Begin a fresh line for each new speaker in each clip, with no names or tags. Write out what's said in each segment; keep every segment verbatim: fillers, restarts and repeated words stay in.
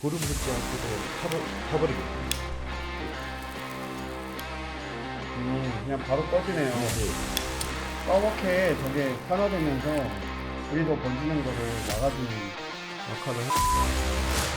불을 묻지 않고도 타버, 타버리거든요.
음, 그냥 바로 꺼지네요.
네.
까맣게 저게 산화되면서 불이 더 번지는 거를 막아주는 역할을 하...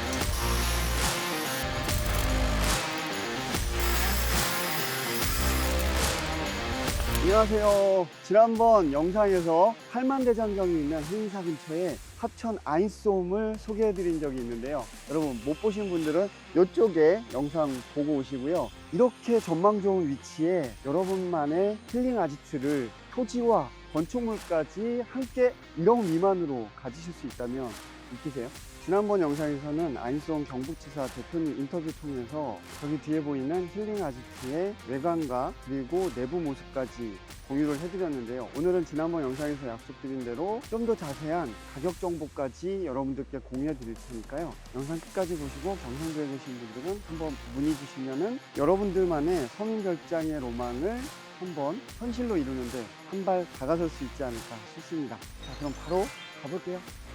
안녕하세요. 지난번 영상에서 팔만대장경이 있는 행사 근처에 합천 아인솜을 소개해 드린 적이 있는데요. 여러분 못 보신 분들은 이쪽에 영상 보고 오시고요. 이렇게 전망 좋은 위치에 여러분만의 힐링 아지트를 토지와 건축물까지 함께 일억 미만으로 가지실 수 있다면 믿기세요? 지난번 영상에서는 아인솜 경북지사 대표님 인터뷰 통해서 저기 뒤에 보이는 힐링 아지트의 외관과 그리고 내부 모습까지 공유를 해드렸는데요. 오늘은 지난번 영상에서 약속드린 대로 좀 더 자세한 가격 정보까지 여러분들께 공유해 드릴 테니까요. 영상 끝까지 보시고 경상도에 계신 분들은 한번 문의 주시면은 여러분들만의 서민별장의 로망을 한번 현실로 이루는데 한 발 다가설 수 있지 않을까 싶습니다. 자, 그럼 바로 가볼게요.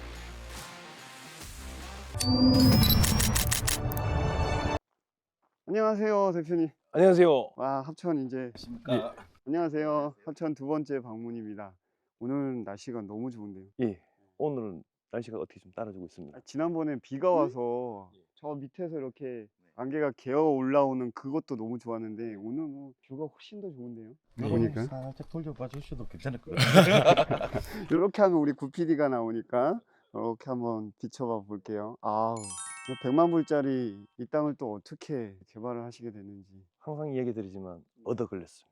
안녕하세요, 대표님.
안녕하세요.
와, 합천 이제
안녕하십니까?
안녕하세요. 합천 두 번째 방문입니다. 오늘 날씨가 너무 좋은데요.
예, 오늘은 날씨가 어떻게 좀 따라주고 있습니다.
아, 지난번에 비가 와서 저 밑에서 이렇게 안개가 개어 올라오는 그것도 너무 좋았는데 오늘 뭐 뷰가 훨씬 더 좋은데요.
네.
보니까
살짝 돌려봐 주셔도 괜찮을 것 같아요.
이렇게 하면 우리 구피디가 나오니까 이렇게 한번 비춰봐 볼게요. 아우, 백만 불짜리 이 땅을 또 어떻게 개발을 하시게 됐는지
항상 이야기 드리지만 얻어 걸렸습니다.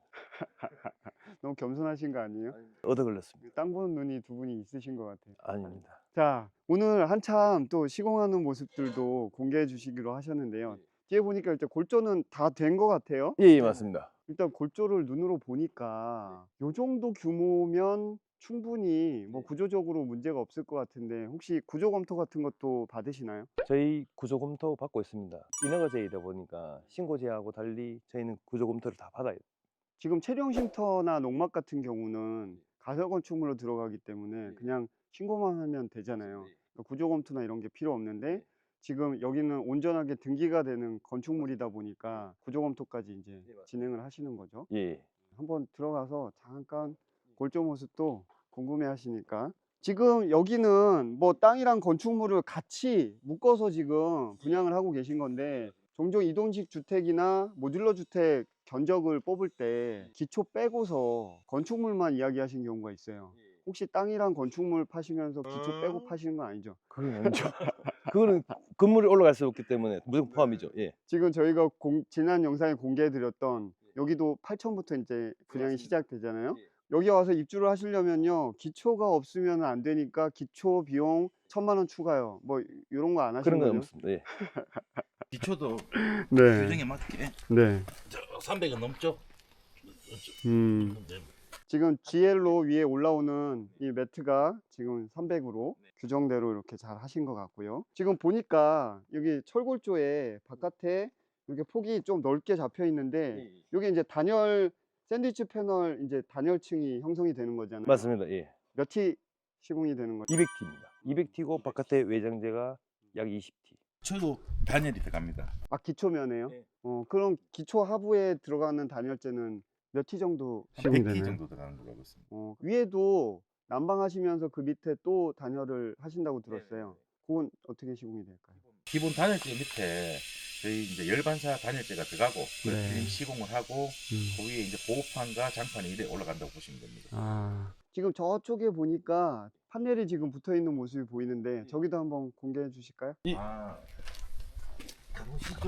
너무 겸손하신 거 아니에요?
얻어 걸렸습니다.
땅 보는 눈이 두 분이 있으신 것 같아요.
아닙니다.
자, 오늘 한참 또 시공하는 모습들도 공개해 주시기로 하셨는데요. 뒤에 보니까 일단 골조는 다 된 것 같아요.
예, 예, 맞습니다.
일단 골조를 눈으로 보니까 요 정도 규모면 충분히 뭐 구조적으로 문제가 없을 것 같은데 혹시 구조 검토 같은 것도 받으시나요?
저희 구조 검토 받고 있습니다. 인허가제이다 보니까 신고제하고 달리 저희는 구조 검토를 다 받아요.
지금 체령 쉼터나 농막 같은 경우는 가설 건축물로 들어가기 때문에 그냥 신고만 하면 되잖아요. 그러니까 구조 검토나 이런 게 필요 없는데 지금 여기는 온전하게 등기가 되는 건축물이다 보니까 구조 검토까지 이제 진행을 하시는 거죠.
예,
한번 들어가서 잠깐 골조 모습도 궁금해 하시니까 지금 여기는 뭐 땅이랑 건축물을 같이 묶어서 지금 분양을 하고 계신 건데 종종 이동식 주택이나 모듈러 주택 견적을 뽑을 때 기초 빼고서 건축물만 이야기하신 경우가 있어요. 혹시 땅이랑 건축물 파시면서 기초 빼고 파시는 건 아니죠?
그건 아니죠. 그거는 건물이 올라갈 수 없기 때문에 무조건 포함이죠. 예,
지금 저희가 공- 지난 영상에 공개해 드렸던 여기도 팔천부터 이제 분양이 시작되잖아요. 여기 와서 입주를 하시려면요 기초가 없으면 안 되니까 기초 비용 천만 원 추가요. 뭐 이런 거 안 하시는
그런 건
거죠?
없습니다. 예.
기초도
네.
규정에 맞게
네.
저 삼백은 넘죠?
음.
네.
지금 지엘로 위에 올라오는 이 매트가 지금 삼백으로 규정대로 이렇게 잘 하신 것 같고요. 지금 보니까 여기 철골조에 바깥에 이렇게 폭이 좀 넓게 잡혀 있는데 여기 이제 단열 샌드위치 패널 이제 단열층이 형성이 되는 거잖아요.
맞습니다. 예.
몇 티 시공이 되는 거죠?
이백 티입니다. 이백 티고 바깥에 외장재가 약 이십 티.
저도 단열이 들어갑니다.
아, 기초면에요?
네.
어, 그럼 기초 하부에 들어가는 단열재는 몇 티 정도
한
시공이
백 티
되나요?
정도 들어가는 걸로 알고 있습니다.
어, 위에도 난방하시면서 그 밑에 또 단열을 하신다고
네,
들었어요. 그건 어떻게 시공이 될까요?
기본 단열재 밑에 저희 이제 열반사 단열재가 들어가고
네.
네. 시공을 하고
음.
그 위에 이제 보호판과 장판이 이래 올라간다고 보시면 됩니다.
아, 지금 저쪽에 보니까 판넬이 지금 붙어 있는 모습이 보이는데
네.
저기도 한번 공개해 주실까요?
아, 가보시죠.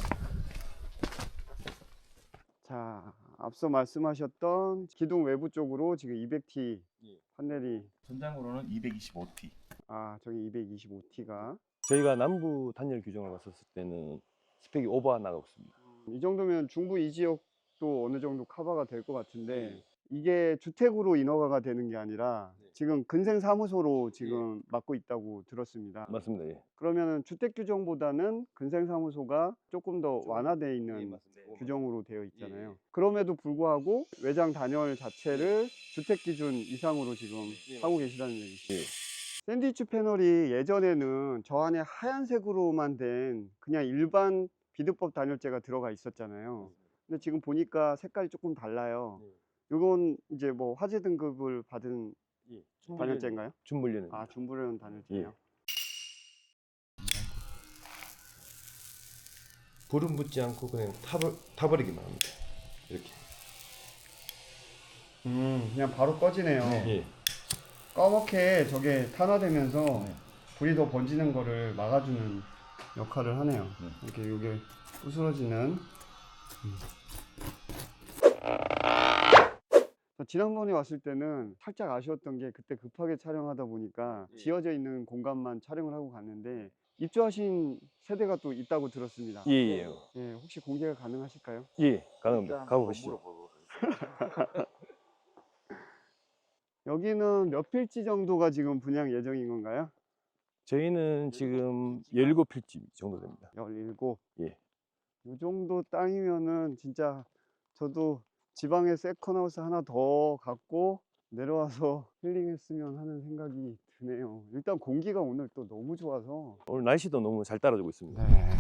자, 앞서 말씀하셨던 기둥 외부 쪽으로 지금 이백 티 판넬이
전장으로는 이백이십오 티.
아, 저기 이백이십오 티가
저희가 남부 단열 규정을 봤었을 때는 스펙이 오버 나가고 있습니다.
이 정도면 중부 이 지역도 어느 정도 커버가 될 것 같은데 이게 주택으로 인허가가 되는 게 아니라 지금 근생 사무소로 지금 맡고 있다고 들었습니다.
맞습니다. 예.
그러면 주택 규정보다는 근생 사무소가 조금 더 완화되어 있는 규정으로 되어 있잖아요. 그럼에도 불구하고 외장 단열 자체를 주택 기준 이상으로 지금 하고 계시다는 얘기죠.
예.
샌드위치 패널이 예전에는 저 안에 하얀색으로만 된 그냥 일반 비드법 단열재가 들어가 있었잖아요. 근데 지금 보니까 색깔이 조금 달라요. 이건 이제 뭐 화재 등급을 받은
예.
단열재인가요?
준물류는.
아, 준불연 단열재예요.
예. 불은 붙지 않고 그냥 타버, 타버리기만 합니다. 이렇게.
음, 그냥 바로 꺼지네요.
예.
까맣게 저게 탄화되면서 불이 더 번지는 거를 막아주는 역할을 하네요. 이렇게 이게 부스러지는. 음. 지난번에 왔을 때는 살짝 아쉬웠던 게 그때 급하게 촬영하다 보니까
예.
지어져 있는 공간만 촬영을 하고 갔는데 입주하신 세대가 또 있다고 들었습니다.
예, 예.
예, 혹시 공개가 가능하실까요?
예, 가능합니다. 가보시죠.
여기는 몇 필지 정도가 지금 분양 예정인 건가요?
저희는 지금 열일곱 필지 정도 됩니다.
열일곱.
예.
이 정도 땅이면은 진짜 저도 지방에 세컨하우스 하나 더 갖고 내려와서 힐링했으면 하는 생각이 드네요. 일단 공기가 오늘 또 너무 좋아서.
오늘 날씨도 너무 잘 따라주고 있습니다.
네.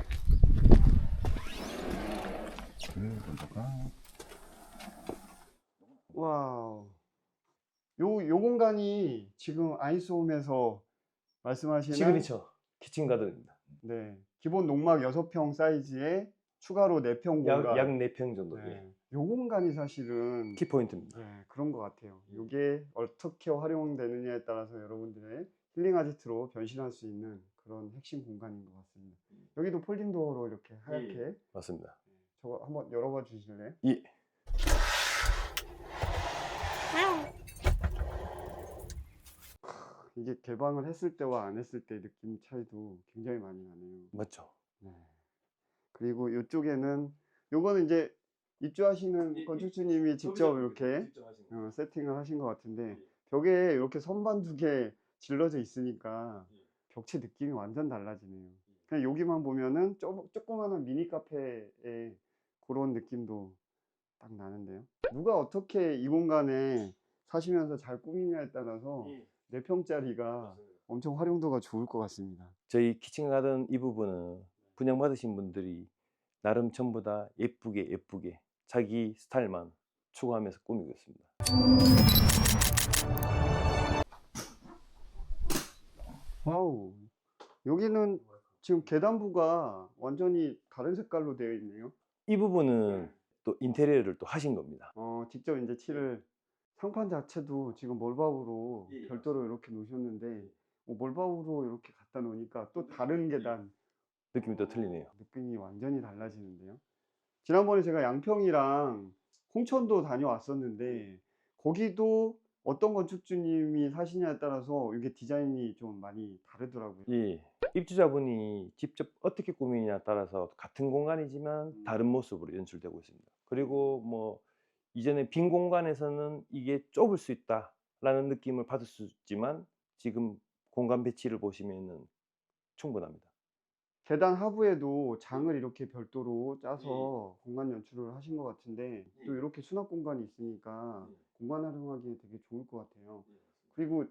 와우. 요, 요 공간이 지금 아이스홈에서 말씀하시는
시그니처 키친 가든입니다.
네, 기본 농막 여섯 평 사이즈에 추가로 네 평 공간.
약, 약 네 평 정도.
네.
예.
요 공간이 사실은
키포인트입니다.
네, 그런 것 같아요. 이게 어떻게 활용되느냐에 따라서 여러분들의 힐링 아지트로 변신할 수 있는 그런 핵심 공간인 것 같습니다. 여기도 폴딩 도어로 이렇게 하얗게.
맞습니다.
저거 한번 열어봐 주실래요?
예.
이게 개방을 했을 때와 안 했을 때 느낌 차이도 굉장히 많이 나네요.
맞죠.
네. 그리고 이쪽에는 요거는 이제 입주하시는
이- 이-
건축주님이 직접 이렇게 어, 세팅을 하신 것 같은데 벽에 이렇게 선반 두 개 질러져 있으니까 벽체 느낌이 완전 달라지네요. 그냥 여기만 보면은 쪼, 조그마한 미니 카페의 그런 느낌도 딱 나는데요. 누가 어떻게 이 공간에 사시면서 잘 꾸미냐에 따라서 네 평짜리가 엄청 활용도가 좋을 것 같습니다.
저희 키친 가든 이 부분은 분양받으신 분들이 나름 전부 다 예쁘게 예쁘게 자기 스타일만 추구하면서 꾸미고 있습니다.
와우. 여기는 지금 계단부가 완전히 다른 색깔로 되어 있네요.
이 부분은 또 인테리어를 또 하신 겁니다.
어, 직접 이제 칠을 상판 자체도 지금 몰바우로
예,
별도로 이렇게 놓으셨는데 어, 몰바우로 이렇게 갖다 놓으니까 또 다른 계단
느낌이 또 틀리네요.
느낌이 완전히 달라지는데요. 지난번에 제가 양평이랑 홍천도 다녀왔었는데 거기도 어떤 건축주님이 사시냐에 따라서 이게 디자인이 좀 많이 다르더라고요.
예. 입주자분이 직접 어떻게 꾸미냐에 따라서 같은 공간이지만 다른 모습으로 연출되고 있습니다. 그리고 뭐 이전에 빈 공간에서는 이게 좁을 수 있다라는 느낌을 받을 수 있지만 지금 공간 배치를 보시면은 충분합니다.
계단 하부에도 장을 이렇게 별도로 짜서 공간 연출을 하신 것 같은데 또 이렇게 수납 공간이 있으니까 공간 활용하기에 되게 좋을 것 같아요. 그리고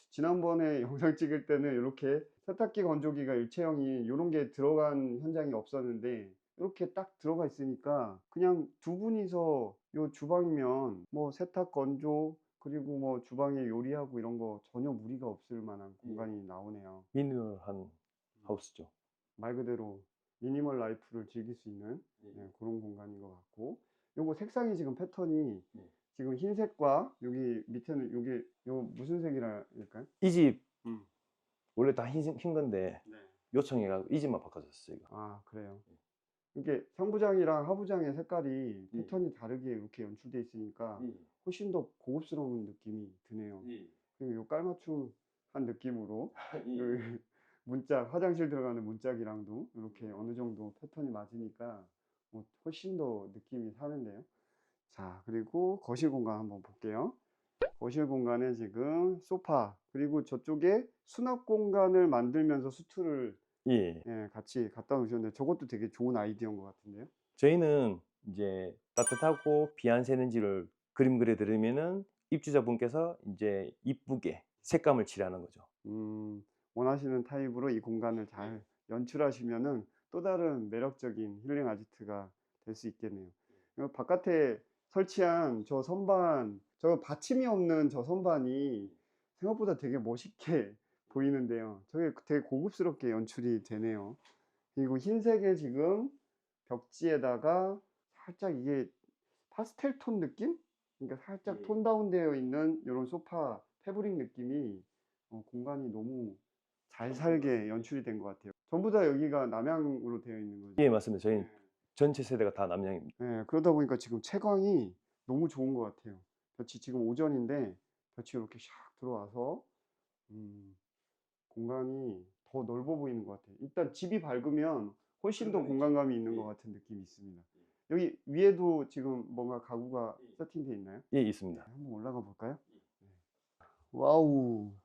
지난번에 영상 찍을 때는 이렇게 세탁기 건조기가 일체형이 이런 게 들어간 현장이 없었는데 이렇게 딱 들어가 있으니까 그냥 두 분이서 요 주방이면 뭐 세탁 건조 그리고 뭐 주방에 요리하고 이런 거 전혀 무리가 없을 만한 공간이 나오네요.
미니멀한 하우스죠.
말 그대로 미니멀 라이프를 즐길 수 있는 네, 그런 공간인 것 같고 요거 색상이 지금 패턴이
네.
지금 흰색과 여기 밑에는 요게 요 무슨 색이라 할까요?
이 집
음.
원래 다 흰, 흰 건데
네.
요청해가지고 이 집만 바꿔줬어요. 이거.
아 그래요. 이게 상부장이랑 하부장의 색깔이
예.
패턴이 다르게 이렇게 연출돼 있으니까
예.
훨씬 더 고급스러운 느낌이 드네요.
예.
그리고 요 깔맞춤한 느낌으로
예.
요 문짝 화장실 들어가는 문짝이랑도 이렇게 어느 정도 패턴이 맞으니까 뭐 훨씬 더 느낌이 사는데요. 자, 그리고 거실 공간 한번 볼게요. 거실 공간에 지금 소파 그리고 저쪽에 수납 공간을 만들면서 수트를
예.
예, 같이 갖다 놓으셨는데 저것도 되게 좋은 아이디어인 것 같은데요.
저희는 이제 따뜻하고 비 안 새는지를 그림 그려 드리면은 입주자분께서 이제 이쁘게 색감을 칠하는 거죠.
음, 원하시는 타입으로 이 공간을 잘 연출하시면은 또 다른 매력적인 힐링 아지트가 될 수 있겠네요. 그리고 바깥에 설치한 저 선반, 저 받침이 없는 저 선반이 생각보다 되게 멋있게 보이는데요. 저게 되게 고급스럽게 연출이 되네요. 그리고 흰색의 지금 벽지에다가 살짝 이게 파스텔 톤 느낌? 그러니까 살짝 톤 다운되어 있는 이런 소파 패브릭 느낌이 어, 공간이 너무 잘 살게 연출이 된 것 같아요. 전부 다 여기가 남향으로 되어 있는 거죠.
예, 맞습니다. 저희 전체 세대가 다 남양입니다.
네, 그러다 보니까 지금 채광이 너무 좋은 것 같아요. 볕이 지금 오전인데 볕이 이렇게 샥 들어와서 음, 공간이 더 넓어 보이는 것 같아요. 일단 집이 밝으면 훨씬 더 공간감이 있는 것 같은 느낌이 있습니다. 여기 위에도 지금 뭔가 가구가 세팅되어 있나요?
예, 있습니다.
한번 올라가 볼까요? 와우.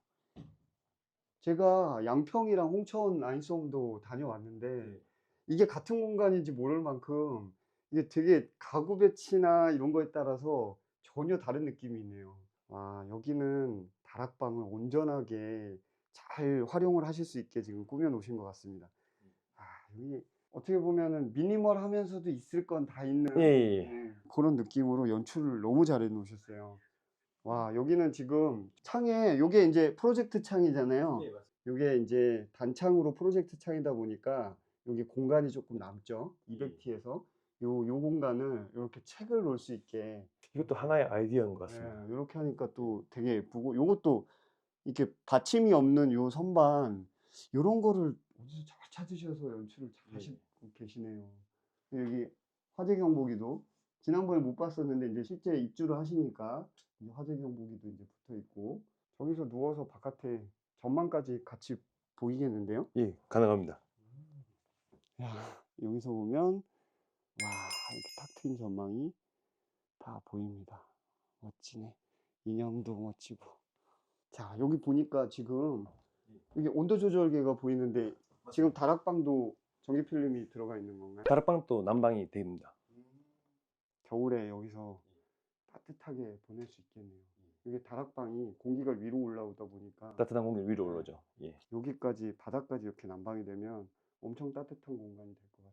제가 양평이랑 홍천 아인솜도 다녀왔는데 이게 같은 공간인지 모를 만큼 이게 되게 가구 배치나 이런 거에 따라서 전혀 다른 느낌이 있네요. 와, 여기는 다락방을 온전하게 잘 활용을 하실 수 있게 지금 꾸며 놓으신 것 같습니다. 아, 여기 어떻게 보면은 미니멀하면서도 있을 건 다 있는
예, 예, 예.
네, 그런 느낌으로 연출을 너무 잘 해 놓으셨어요. 와, 여기는 지금 창에 요게 이제 프로젝트 창이잖아요.
예, 맞습니다.
요게 이제 단창으로 프로젝트 창이다 보니까 여기 공간이 조금 남죠. 이백 티에서 요, 요 공간을 이렇게 책을 놓을 수 있게
이것도 하나의 아이디어인 것 같습니다.
네, 이렇게 하니까 또 되게 예쁘고 요것도 이렇게 받침이 없는 요 선반 요런 거를 어디서 잘 찾으셔서 연출을 잘 하시고 계시네요. 여기 화재 경보기도 지난번에 못 봤었는데 이제 실제 입주를 하시니까 이제 화재 경보기도 이제 붙어 있고 저기서 누워서 바깥에 전망까지 같이 보이겠는데요?
예, 가능합니다.
야, 여기서 보면 와, 이렇게 탁 트인 전망이 다 보입니다. 멋지네. 인형도 멋지고. 자, 여기 보니까 지금 이게 온도 조절계가 보이는데 지금 다락방도 전기 필름이 들어가 있는 건가요?
다락방도 난방이 됩니다.
겨울에 여기서 따뜻하게 보낼 수 있겠네요. 이게 다락방이 공기가 위로 올라오다 보니까
따뜻한 공기 위로 올라오죠. 예.
여기까지 바닥까지 이렇게 난방이 되면 엄청 따뜻한 공간이 될 것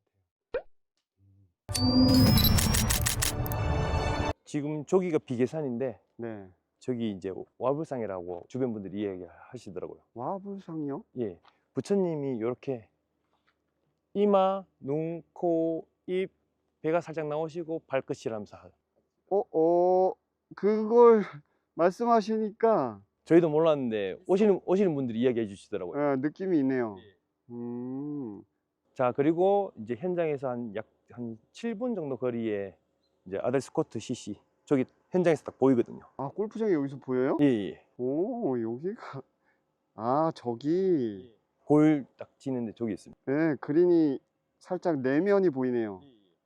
같아요.
지금 저기가 비계산인데
네.
저기 이제 와불상이라고 주변 분들이 이야기하시더라고요.
와불상이요?
예, 부처님이 이렇게 이마, 눈, 코, 입, 배가 살짝 나오시고 발끝이라면서 하-
어, 어, 그걸 말씀하시니까
저희도 몰랐는데 오시는 오시는 분들이 이야기해 주시더라고요.
예, 느낌이 있네요. 음,
자, 그리고 이제 현장에서 한 약 한 칠 분 정도 거리에 이제 아델 스코트 씨씨 저기 현장에서 딱 보이거든요.
아, 골프장이 여기서 보여요?
예, 예.
오, 여기가, 아, 저기,
골 딱 치는데 저기 있습니다.
네, 그린이 살짝 내면이 보이네요.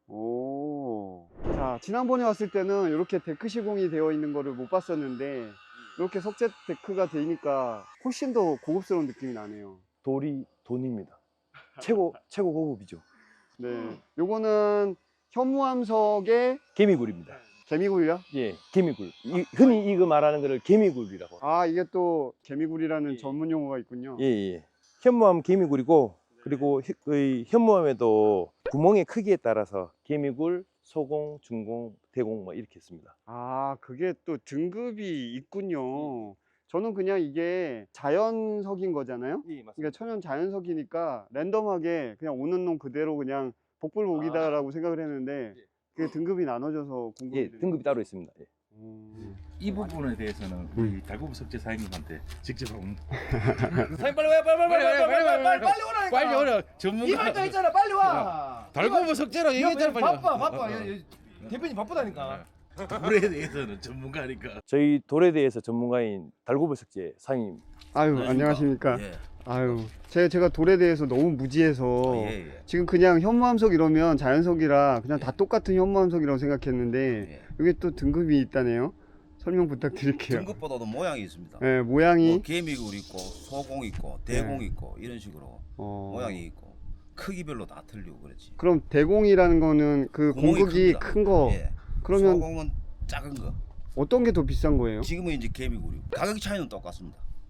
오. 자, 지난번에 왔을 때는 이렇게 데크 시공이 되어 있는 거를 못 봤었는데, 이렇게 석재 데크가 되니까 훨씬 더 고급스러운 느낌이 나네요.
돌이 돈입니다. 최고 최고 고급이죠.
네. 요거는 현무암석의
개미굴입니다.
개미굴이요?
예, 개미굴. 이, 흔히 이거 말하는 거를 개미굴이라고.
아, 이게 또 개미굴이라는
예.
전문 용어가 있군요.
예, 예. 현무암 개미굴이고 그리고 히- 의 현무암에도 구멍의 크기에 따라서 개미굴, 소공, 중공, 대공 뭐 이렇게 있습니다.
아, 그게 또 등급이 있군요. 저는 그냥 이게 자연석인 거잖아요.
예, 맞습니다.
그러니까 천연 자연석이니까 랜덤하게 그냥 오는 놈 그대로 그냥 복불복이다라고 생각을 했는데
예.
그게 등급이 나눠져서 공급이
예,
되는
등급이 따로 있습니다. 예.
음.
이 부분에 대해서는 우리 달구부 석재 사장님한테 직접 한번
사장님 빨리 와요 빨리 빨리 빨리 빨리 빨리 빨리 빨리 빨리 오라니까
빨리 오라 전문가
이말도 했잖아 빨리 와
달구부 석재라고 얘기했잖아 빨리
바빠
와.
바빠
어, 어.
여- 여- 대표님 바쁘다니까
물에 대해서는 전문가니까.
저희 돌에 대해서 전문가인 달고벌 석재 사장님.
아유, 안녕하십니까.
예.
아유, 제가, 제가 돌에 대해서 너무 무지해서
예, 예.
지금 그냥 현무암석 이러면 자연석이라 그냥 다 똑같은 현무암석이라고 생각했는데
예.
여기 또 등급이 있다네요. 설명 부탁드릴게요.
등급보다도 모양이 있습니다.
네, 모양이
뭐 개미굴 있고 소공 있고 대공 있고 이런 식으로
어...
모양이 있고 크기별로 다 틀리고 그렇지.
그럼 대공이라는 거는 그
구멍이
공극이
큽니다.
큰 거.
예.
그러면
소공은 작은 거.
어떤 게 더 비싼 거예요?
지금은 이제 개미굴이고 가격 차이는 똑같습니다.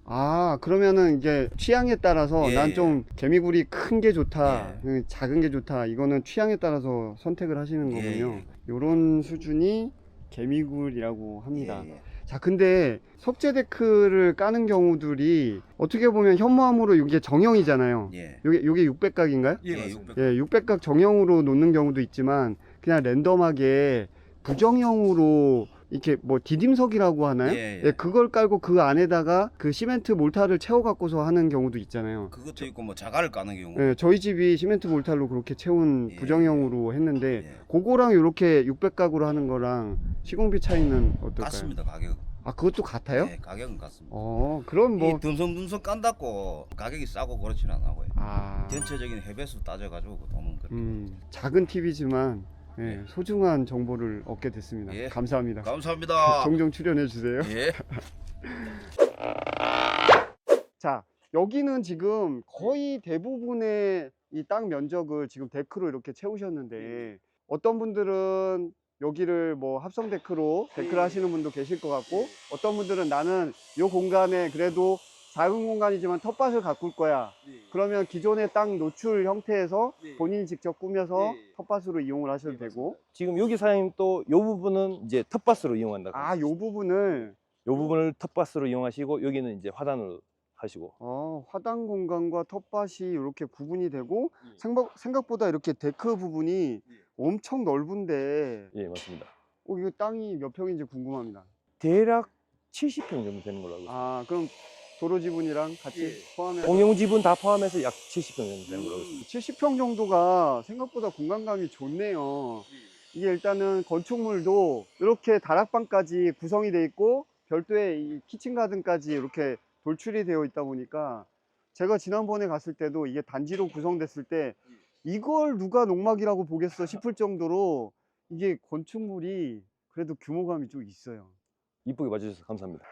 아, 그러면은 이게 취향에 따라서
예,
난
예.
좀 개미굴이 큰 게 좋다,
예.
그 작은 게 좋다. 이거는 취향에 따라서 선택을 하시는
예,
거군요.
예.
요런 수준이 개미굴이라고 합니다.
예, 예.
자, 근데 석재 데크를 까는 경우들이 어떻게 보면 현무암으로 이게 정형이잖아요.
예.
요게 요게 육백 각인가요?
예,
예,
맞습니다.
육백.
예, 육백 각 정형으로 놓는 경우도 있지만 그냥 랜덤하게 부정형으로 이렇게 뭐 디딤석이라고 하나요?
예,
예,
예.
그걸 깔고 그 안에다가 그 시멘트 몰타를 채워 갖고서 하는 경우도 있잖아요.
그것도 있고 뭐 자갈을 까는 경우.
예, 저희 집이 시멘트 몰타로 그렇게 채운
예,
부정형으로 했는데
예.
그거랑 이렇게 육백 각으로 하는 거랑 시공비 차이는 어떨까요?
같습니다, 가격.
아, 그것도 같아요?
예, 가격은 같습니다.
어, 그럼 뭐
이 듬성듬성 깐다고 가격이 싸고 그렇진 않아요.
아,
전체적인 해배수 따져가지고 그 돈은 그렇게.
음, 작은 팁이지만 예,
예.
소중한 정보를 얻게 됐습니다.
예.
감사합니다.
감사합니다.
종종 출연해 주세요.
예.
자, 여기는 지금 거의 대부분의 이 땅 면적을 지금 데크로 이렇게 채우셨는데 어떤 분들은 여기를 뭐 합성 데크로 데크를 하시는 분도 계실 것 같고 어떤 분들은 나는 이 공간에 그래도 작은 공간이지만 텃밭을 가꿀 거야. 그러면 기존의 땅 노출 형태에서 본인이 직접 꾸며서 텃밭으로 이용을 하셔도 되고
지금 여기 사장님 또 요 부분은 이제 텃밭으로 이용한다고.
아, 요 부분을
요 부분을 텃밭으로 이용하시고 여기는 이제 화단으로 하시고.
어, 화단 공간과 텃밭이 이렇게 구분이 되고
예.
생각, 생각보다 이렇게 데크 부분이 엄청 넓은데
예, 맞습니다.
어, 이거 땅이 몇 평인지 궁금합니다.
대략 칠십 평 정도 되는 걸로 알고 있습니다.
아, 그럼 도로 지분이랑 같이 포함해서
공용 지분 다 포함해서 약 칠십 평 정도 되는 걸로 알고 있습니다.
칠십 평 정도가 생각보다 공간감이 좋네요. 이게 일단은 건축물도 이렇게 다락방까지 구성이 돼 있고 별도의 이 키친 가든까지 이렇게 돌출이 되어 있다 보니까 제가 지난번에 갔을 때도 이게 단지로 구성됐을 때 이걸 누가 농막이라고 보겠어 싶을 정도로 이게 건축물이 그래도 규모감이 좀 있어요.
이쁘게 봐주셔서 감사합니다.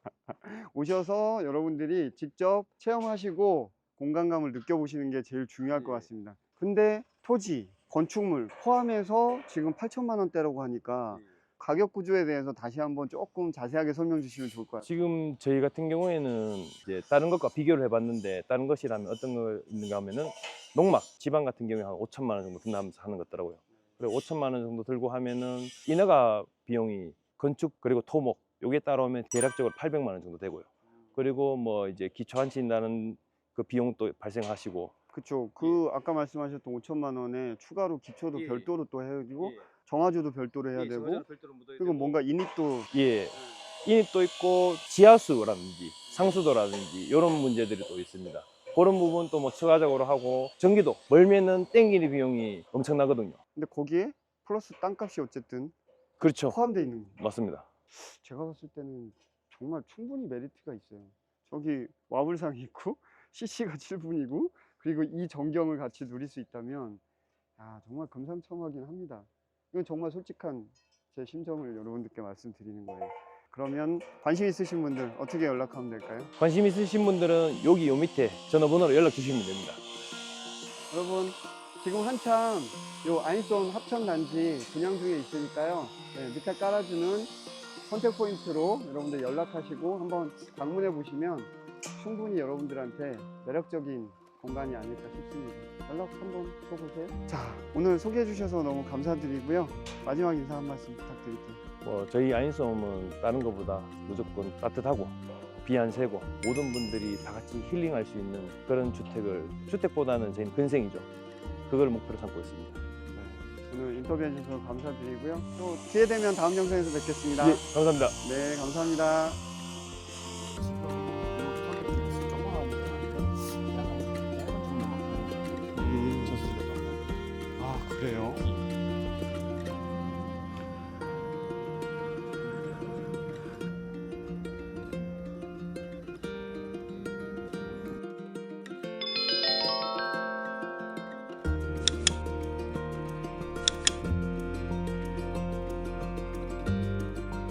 오셔서 여러분들이 직접 체험하시고 공간감을 느껴보시는 게 제일 중요할 것
예.
같습니다. 근데 토지, 건축물 포함해서 지금 팔천만 원대라고 하니까 가격 구조에 대해서 다시 한번 조금 자세하게 설명 주시면 좋을 것 같아요.
지금 저희 같은 경우에는 이제 다른 것과 비교를 해봤는데 다른 것이라면 어떤 거 있는가 하면은 농막, 지방 같은 경우에 한 오천만 원 정도 든다면서 하는 것 같더라고요. 그리고 오천만 원 정도 들고 하면은 인허가 비용이 건축 그리고 토목 요게 따라오면 대략적으로 팔백만 원 정도 되고요. 그리고 뭐 이제 기초 한친다는 그 비용도 발생하시고.
그쵸. 그 아까 말씀하셨던 오천만 원에 추가로 기초도
예.
별도로 또 해야 되고 정화조도 별도로 해야 되고 그리고 뭔가 인입도
예, 인입도 있고 지하수라든지 상수도라든지 이런 문제들이 또 있습니다. 그런 부분도 뭐 추가적으로 하고 전기도 멀면은 땡기는 비용이 엄청나거든요.
근데 거기에 플러스 땅값이 어쨌든
그렇죠.
포함되어 있는 거예요.
맞습니다.
제가 봤을 때는 정말 충분히 메리트가 있어요. 저기 와불상이 있고 씨씨가 칠 분이고 그리고 이 전경을 같이 누릴 수 있다면 아, 정말 금상첨화긴 합니다. 이건 정말 솔직한 제 심정을 여러분들께 말씀드리는 거예요. 그러면 관심 있으신 분들 어떻게 연락하면 될까요?
관심 있으신 분들은 여기 요 밑에 전화번호로 연락 주시면 됩니다.
여러분 지금 한참 요 아인손 합천단지 분양 중에 있으니까요. 네, 밑에 깔아주는 선택 포인트로 여러분들 연락하시고 한번 방문해 보시면 충분히 여러분들한테 매력적인 공간이 아닐까 싶습니다. 연락 한번 줘보세요. 자, 오늘 소개해 주셔서 너무 감사드리고요. 마지막 인사 한 말씀 부탁드릴게요.
뭐 저희 아인솜은 다른 것보다 무조건 따뜻하고 비 안 새고 모든 분들이 다 같이 힐링할 수 있는 그런 주택을 주택보다는 저희는 근생이죠. 그걸 목표로 삼고 있습니다.
네, 오늘 인터뷰해 주셔서 감사드리고요. 또 기회 되면 다음 영상에서 뵙겠습니다.
예, 감사합니다.
네, 감사합니다. 음, 아, 그래요?